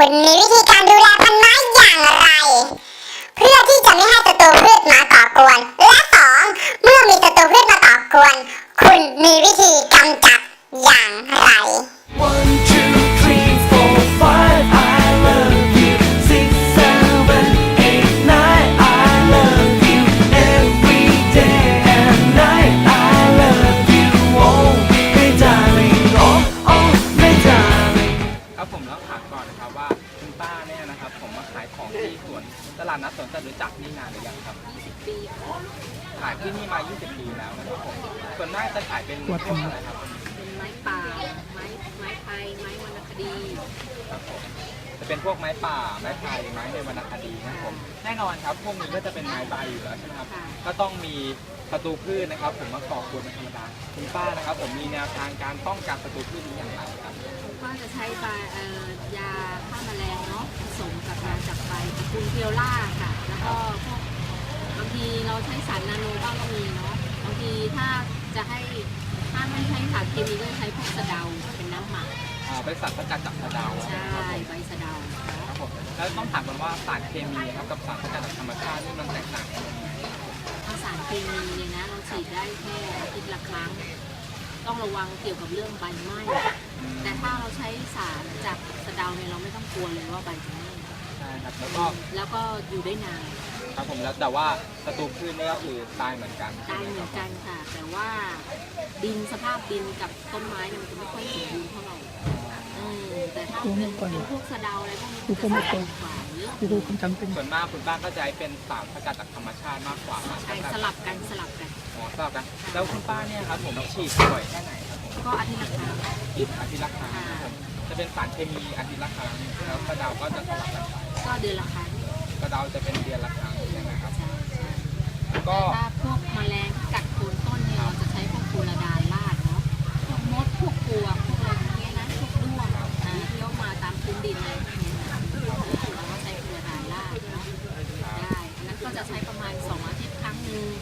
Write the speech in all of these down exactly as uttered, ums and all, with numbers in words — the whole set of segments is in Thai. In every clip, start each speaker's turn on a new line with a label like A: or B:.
A: คุณมีวิธีการดูแลพันไม้อย่างไร เพื่อที่จะไม่ให้ศัตรูพืชมาก่อกวน และสองเมื่อมีศัตรูพืชมาก่อกวน คุณมีวิธีกำจัดอย่างไร
B: One, two, three, four, five, I love you. Six, seven, eight, nine, I love you. Every day and night, I love you. Oh, my darling, oh, oh, my darling.
C: ครับผมต้องถามก่อนนะครับว่าคุณป้าเนี่ยนะครับผมมาขายของที่สวนตลาดนัดสวนจตุจักรนี่นานหรือยังครับยี่สิบปีขายที่นี่มายี่สิบปีแล้วนะครับผมส่วนมากจะขายเป็นพวกอะไรครับ
D: เป็นไม้ป่า ไม้ไม้ไผ่ไม้วรรณคดี
C: ครับผมจะเป็นพวกไม้ป่าไม้ไผ่ไม้ในวรรณคดีนะครับผมแน่นอนครับพวกนี้ก็จะเป็นไม้ใบอยู่แล้วใช่ไหมครับก็ต้องมีศัตรูพืชนะครับผมมาก่อกวนเป็นธรรมดาคุณป้านะครับผมมีแนวทางการป้องกันศัตรูพืชนี้อย่างไรครับ
D: ก็จะใช้ใบเอ่อยาฆ่าแมลงเนาะผสมกับยาจับใบตระกูลเพียวล่าค่ะแล้วก็พวกบางทีเราใช้สารนาโนบ้างก็มีเนาะบางทีถ้าจะให้ถ้าไม่ใช้สารเคมีก็ใช้พวกสะเดาเป็นน้ำหมัก
C: อ๋อเป็นสารสกัดจากสะเดา
D: ใช่ใบสะเดา
C: ครับผมแล้วต้องถามกันว่าสารเคมีครับกับสารสกัดจากธรรมชาตินี่มันแตกต่างกันยังไง
D: ถ้าสารเคมีเนี่ยนะเราฉีดได้แค่อาทิตย์ละครั้งต้องระวังเกี่ยวกับเรื่องใบไหม้แต่ถ้าเราใช้สารจากสะเดาเนี่ยเราไม่ต้องกลัวเลยว่าใบจะไหม้
C: ใช่ครับแล้วก็
D: แล้วก็อยู่ได้นาน
C: ครับผมแล้วแต่ว่าศัตรูพืชนี่ก็คือตายเหมือนกัน
D: ตายเหมือนกันค่ะแต่ว่าดินสภาพดินกับต้นไม้เนี่ยมันจะไม่ค่อยสมบูรณ์เท่าไหร่แต่ถ้าเป็นพวกสะเดาอะไรพวกนี้จะสมบูรณ์กว่าเยอะ
C: ส่วนมากคุณป้าก็จะเป็นสารสกัดจากธรรมชาติมากกว่า
D: ใช่สลับกันสลับกัน
C: อ๋อสลับกันแล้วคุณป้าเนี่ยครับผมฉีดบ่อยแค่ไหนครับผม
D: ก็อาทิตย์ละครั้ง
C: อาทิตย์ละครั้งจะเป็นสารเคมีอาทิตย์ละครั้งแล้วกระเดาก็จะสลับกันไป
D: ก็เดือนละครั้ง
C: กระเดาจะเป็นเดือนละครั้งใช่ไหมครับ
D: ก็ถ้าพวกแมลงกัดโคนต้นเนี่ยเราจะใช้พวกฟูราดานลาดเนาะพวกมดพวกปลวกพวกอะไรอย่างเงี้ยนะพวกด้วงที่เขามาตามพื้นดินอะไรพวกนี้นะเราก็ใช้ฟูราดานลาดเนาะได้อันนั้นก็จะใช้ประมาณสองอาทิตย์ครั้งหนึ่ง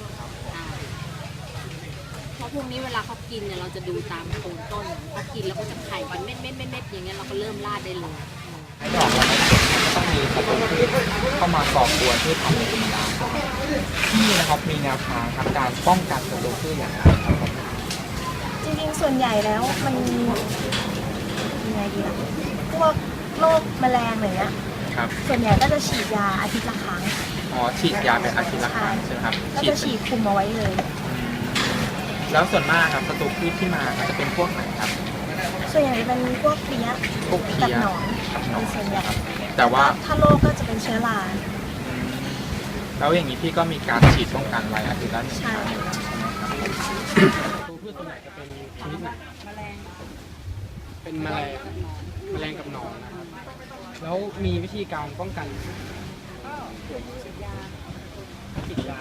D: เพราะพวกนี้เวลาเขากินเนี่ยเราจะดูตามโคนต้นเขากินแล้วก็จะไข่เป็นเม็ดเม็ดเม็ดเม็ดอย่างเงี้ยเราก็เริ่มลาดได้เลย
C: ให้ดอกเราไม่เก็บก็ต้องมีศัตรูพืชเข้ามาก่อกวนที่ทำในธรรมดาที่นะครับมีแนวทางครับการป้องกันศัตรูพืชอย่างไรครับผม
E: จริงๆส่วนใหญ่แล้วมันยังไงดีล่ะพวกโรคแมลงอะไรเงี้ย
C: ครับ
E: ส่วนใหญ่ก็จะฉีดยาอาทิตย์ละครั้ง
C: อ๋อฉีดยาเป็นอาทิตย์ละครั้งใช่ไหมครับ
E: ก็จะฉีดคุมเอาไว้เลย
C: แล้วส่วนมากครับศัตรูพืชที่มาจะเป็นพวกไหนครับ
E: ส่วนใหญ่จะเป็นพวกเพี้ยกับหนอนเป็นส่วนใหญ่
C: แต่ว่า
E: ถ้าโรคก็จะเป็นเชื้อรา
C: แล้วอย่างนี้พี่ก็มีการฉีดป้องกันไว้อาทิตย์ละหนึ่งครั้งใช่ไหมครับ
F: ตัวพืชตัวไหนจะเป็นชนิดไหน
D: แมลง
F: เป็นแมลงแมลงกับหนอนนะครับแล้วมีวิธีการป้องกัน
D: ฉีดยา
F: ฉีดยา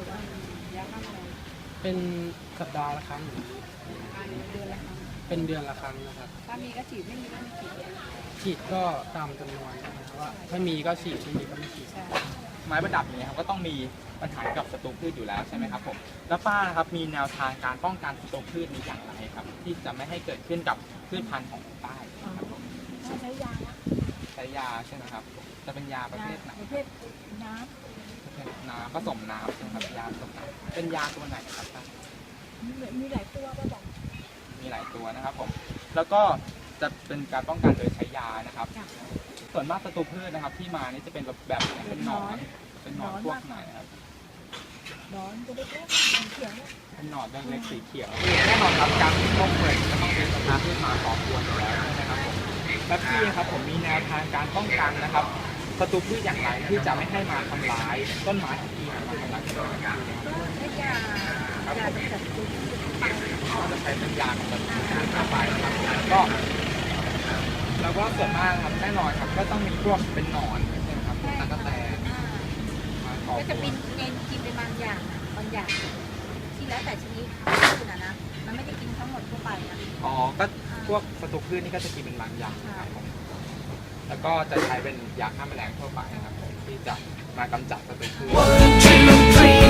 F: เป็นสัปดาห์ละครั้งเป็นเดือนละครั้งนะครับ
D: ถ้ามีก็ฉีดไม่มีก็ไม่ฉีด
F: ฉีดก็ตามจำนวนนะครับว่าถ้ามีก็ฉีดไม่มีก็ไม่ฉีด
C: ไม้ประดับนี้ครับก็ต้องมีปัญหากับศัตรูพืชอยู่แล้วใช่ไหมครับผมแล้วป้าครับมีแนวทางการป้องกันศัตรูพืชนี้อย่างไรครับที่จะไม่ให้เกิดขึ้นกับพืชพันธุ์ของป้าครับผม
E: ใช้ยา
C: ใช้ยาใช่ไหมครับจะเป็นยาประเภทไหน
E: ประเภทน้
C: ำน้ำผสมน้ำใช่ไหมครับยาผสมน้ำเป็นยาตัวไหนครับป้า
E: มีหลายตัวป้าบอก
C: มีหลายตัวนะครับผมแล้วก็จะเป็นการป้องกันโดยใช้ยานะครับส่วนมากศัตรูพืชนะครับที่มานี่จะเป็นแบบแบบเป็นหนอนเป็นหนอนพวกไหนครับ
E: หนอนตัวเล็กๆเขียว
C: เป็นหนอนเล็กๆสีเขียวแน่นอนครับการป้องกันก็ต้องเป็นศัตรูพืชมาก่อกวนอยู่แล้วนะครับผมและพี่ครับผมมีแนวทางการป้องกันนะครับศัตรูพืชอย่างไรที่จะไม่ให้มาทำร้ายต้นไม้ของพี่มาทำร้ายต้นไม้
E: ให้ยา
C: ครับผมเราจะใช้เป็นยาของมันเข้าไปนะครับก็แล้วก็ส่วนมากครับแน่นอนครับก็ต้องมีพวกเป็นหนอนใช่ไหมครับตะกั่วแตน
E: ก็จะเป็นเอนกินเป็นบางอย่างบางอย่างที่แล้วแต่ชนิดคือนะนะมันไม่ได้กินทั้งหมดทั่วไปนะ
C: อ๋อก็พวกศัตรูพืชนี่ก็จะกินเป็นบางอย่างครับผมแล้วก็จะใช้เป็นยาฆ่าแมลงทั่วไปนะครับผมที่จะมากำจัดศัตรูพืช